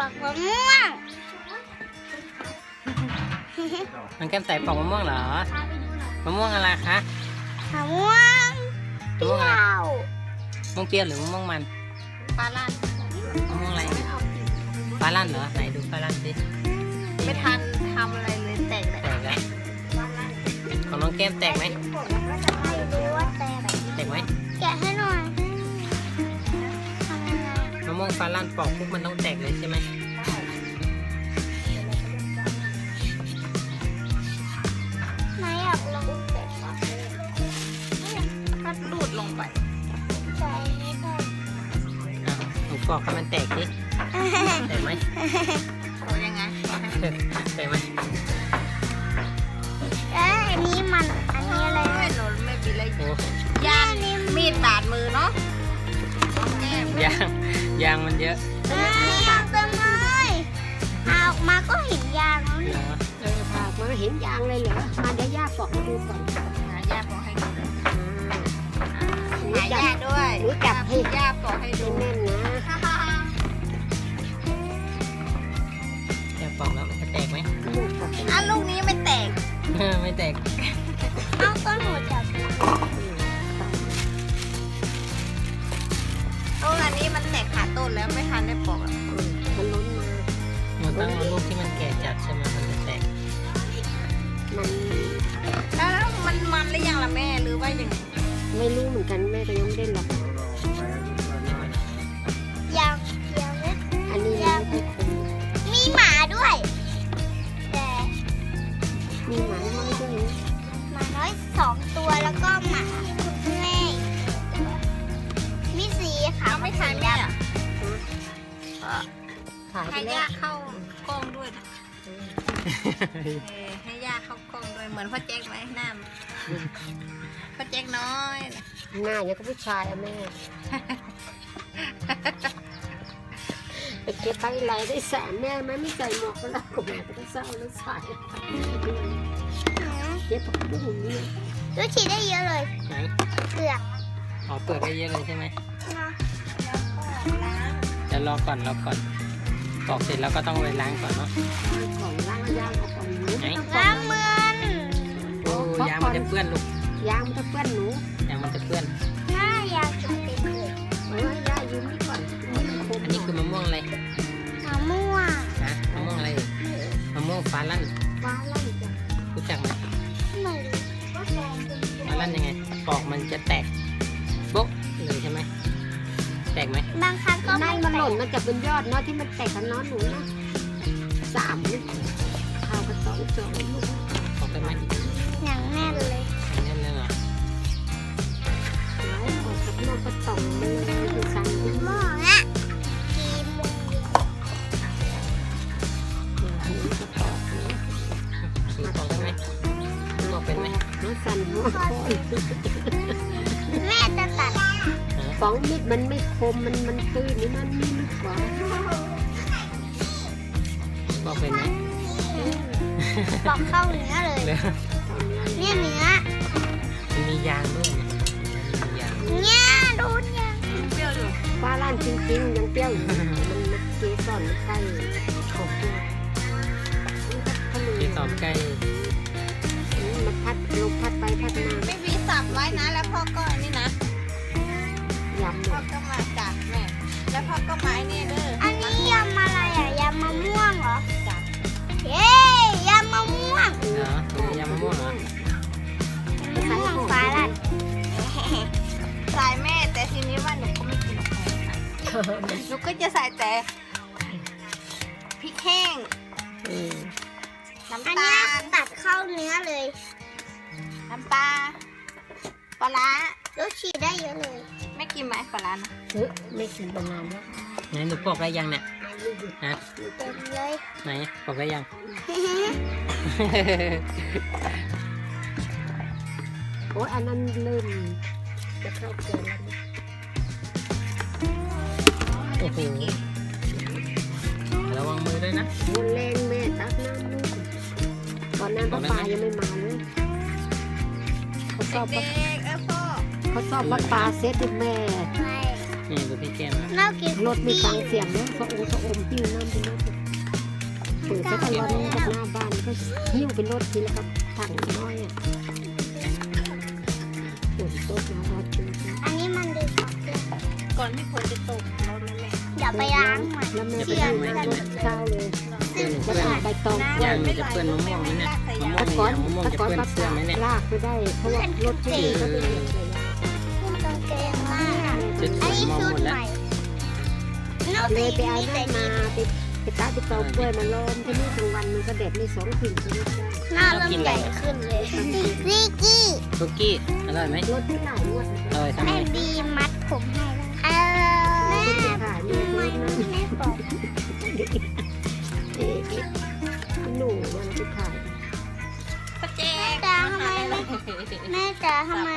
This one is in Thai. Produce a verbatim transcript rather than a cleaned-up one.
อกมะม่วงน้องแก้มใส่ปอกมะม่วงเหรอมะม่วงอะไรคะมะม่วงเปรี้ยวมะม่วงเปรี้ยวหรือมะม่วงมันปลาลั่นมะม่วงอะไรฟ้าลั่นเหรอไหนดูฟ้าลั่นสิไม่ทันทำอะไรเลยแตกเลยแตกแล้วของน้องแก้มแตกไหมไม่รู้ว่าแต่แตกไหมแกะให้หน่อยทำยังไงมะม่วงฟ้าลั่นปอกปุ๊บมันต้องแตกเลยใช่ไหมนายอยากลองแกะก็ดูดลงไปใส่นี่ก่อนอ้าวหนูปอกให้มันแตกสิแตกไหมเอายังไงแตกไหมเอ้ยอันนี้มันอันนี้อะไรไม่หนูไม่บีเลยโอ้ย่านมีดบาดมือเนาะแก้มยางยางมันเยอะเอ้ยยางเต็มเลยเอาออกมาก็เห็นยางแล้วเหรเนี่ยอเออพามาเห็นยางเลยเหรอ มาเดี๋ยวย่าปอกให้ดูก่อนหาย่าปอกให้ดูเลยหนูหาจับย่าด้วยหนูจับให้ย่าปอกให้ดูแน่นๆนะแก้มปอกแล้วมันจะแตกไหมลูกปอกให้อ่ะลูกนี้ไม่แตกไม่แตกเอาต้นหัวจับต้นอันนี้มันแตกขาต้นแล้วไม่ทันได้ปอกอะมันล้นมามันต้องเอาลูกที่มันแก่จัดใช่ไหมมันจะแตกมันแล้วมันมันหรือยังล่ะแม่หรือว่ายังไงไม่รู้เหมือนกันแม่ก็ยังไม่ได้หรอกยางเดียวเนี่ยอันนี้มันไม่ค่อยคมมีหมาด้วย แต่มีหมาน้อยด้วยนะหมาน้อยสองตัวแล้วก็หมาแม่มีสีขาเอาวไม่ทันแม่อะขายไปให้แล้ย่าว เข้ากล้องด้วยนะเออให้ย่าเข้ากล้องด้วยเหมือนพ่อแจ๊กไหมหน้าพ่อแจ๊กน้อยนะหน้าอย่างกับผู้ชายอะแม่ ไปเก็บไปไหลได้สามแม่ไหมไม่ใส่หมวกก็แล้วก็แม่ก็ต้องเศร้าแล้วใส่เก็บผักบุ้งนี่ดูฉีดได้เยอะเลยไหนเปลือกอ๋อเปิดได้เยอะเลยใช่ไหมนะเดี๋ยวรอก่อนรอก่อนปอกเสร็จแล้วก็ต้องไปล้างก่อนเนาะของล้างยางเอาของหนูไหนล้างมือโอ้ยางมันจะเปื้อนลูกยางมันจะเปื้อนหนูยางมันจะเปื้อนหน้ายางจุดเต็มเลยเออย่ายืมนี่ก่อนมันคมอันนี้คือมะม่วงอะไรมะม่วงฮะมะม่วงอะไรเอ่ยมะม่วงฟ้าลั่นฟ้าลั่นจ้ะรู้จักไหมไม่รู้ว่าแกงเป็นฟ้าลั่นยังไงปอกมันจะแตกโบ๊ะเลยใช่ไหมแตกไหมบางครั้งก็นั่ไม่นมันแตหล่นกมันจะเป็นยอดเนาะที่มันแตกกันเน้อนหนูนะสามลูกข้าวกระสองสองลูกปอกได้ไหมอย่างแน่นเลยอันนี้เลยเหรอแล้วออกกับนอกกระต่องมันเลยคือสั่งลูกหม้ออะกีโมงหูกระต่องนะคือปอกได้ไหมปอกเป็นไหมน้องสั่นหัวคอยแม่จะตัดฮะสองมิดมันไม่คมมันมันตื้นนี่มันมีลึกกว่าปอกเป็นไหมปอกเข้าเนื้อเลยเดี๋ยวเนี่ยเนื้อมันมียางด้วยนะมียางเนี่ยดูเนี่ยเปรี้ยวอยู่ฟ้าลั่นจริงๆยังเปรี้ยวอยู่มันมันเกสรมันใกล้ขบด้วยทะเลที่ตอบใกล้มันพัดลมพัดไปพัดมาไม่บีสับไว้นะแล้วพ่อก็อันนี่นะยำหมพ่อดก็มาจากแม่แล้วพ่อก็มาไอ้นี่เด้ออันนี้ยำอะไรอ่ะยำมะม่วงเหรอจ้ะเย้ยำมะม่วงเหรอเป็นยำมะม่วงเหรอมะม่วงฟ้าลัดสายแม่แต่ทีนี้ว่าหนูก็ไม่กินหรอกค่ะหนูก็จะใส่แต่พริกแห้งเออน้ำอันตาเนี้ยลตัดเข้าเนื้อเลยน้ำปลาปลาร้าดูฉีดได้เยอะเลยไม่กินไหมปลาร้านะเออไม่กินมานานแล้วไหนหนูปอกได้ยังเนี่ยฮะเต็มเลยไหนปอกได้ยังโอ้ยอันนั้นเริ่มจะเข้าเกินแล้วนะโอ้โหระวังมือด้วยนะบนแรงแม่ตักน้ำลูกตอนนั้นป้าปายังไม่มาเลยเขาสอบเด็ว่ากๆเออพ่อเขาสอบป้าปาเซตให้แม่ไม่นี่ดูพี่แก้มนะเรากินรถไม่ฟังเสียงเนาะสะโอสะอมหิ้วน้ำเป็นรถเปิดสักวันนึงกับหน้าบ้านก็หิ้วเป็นรถทีละครับถังน้อยอ่ะฝนตกแล้วรถเป็นอันนี้มันดึงออกเลยก่อนที่ฝนจะตกเรานั่นแหละเดี๋ยวไปล้างใหม่แล้วแม่ไปทำงานรถเช้าเลยซึ่งแล้วก็ใบตองยางมันจะเปื้อนมะม่วงไหมเนี่ยมะม่วตะงกอนยางมะม่วงตะจะกอนเปื้อนปักเสื้อไหมเนี่ยลากไปได้เพราะว่ารถที่เขาเป็นอย่างไรขึ้นกางเกงมากชุดสอันวยนี้มองชุหดมดใหแล้วม่นอกเลจากยไปเอานี้ได้แต่มาดีไปไปตาไปตอกกล้วยมาล้อมที่นี่กลางวันมันก็เด็ดในสองสิ่งที่นี่ได้หน้าเริ่มใหญ่ขึ้นเลยซิกกี้คุกกี้อร่อยไหมรถที่ไหนรถอร่อยทำไมแม่บีมัดผมให้แล้วเออแม่แม่ขายเนี่ยไม่รถนั้นแม่บอกเอ๊ะหนูมันไปขายป้าแจแม่จ๋าทำไมไม่แม่จ๋าทำไม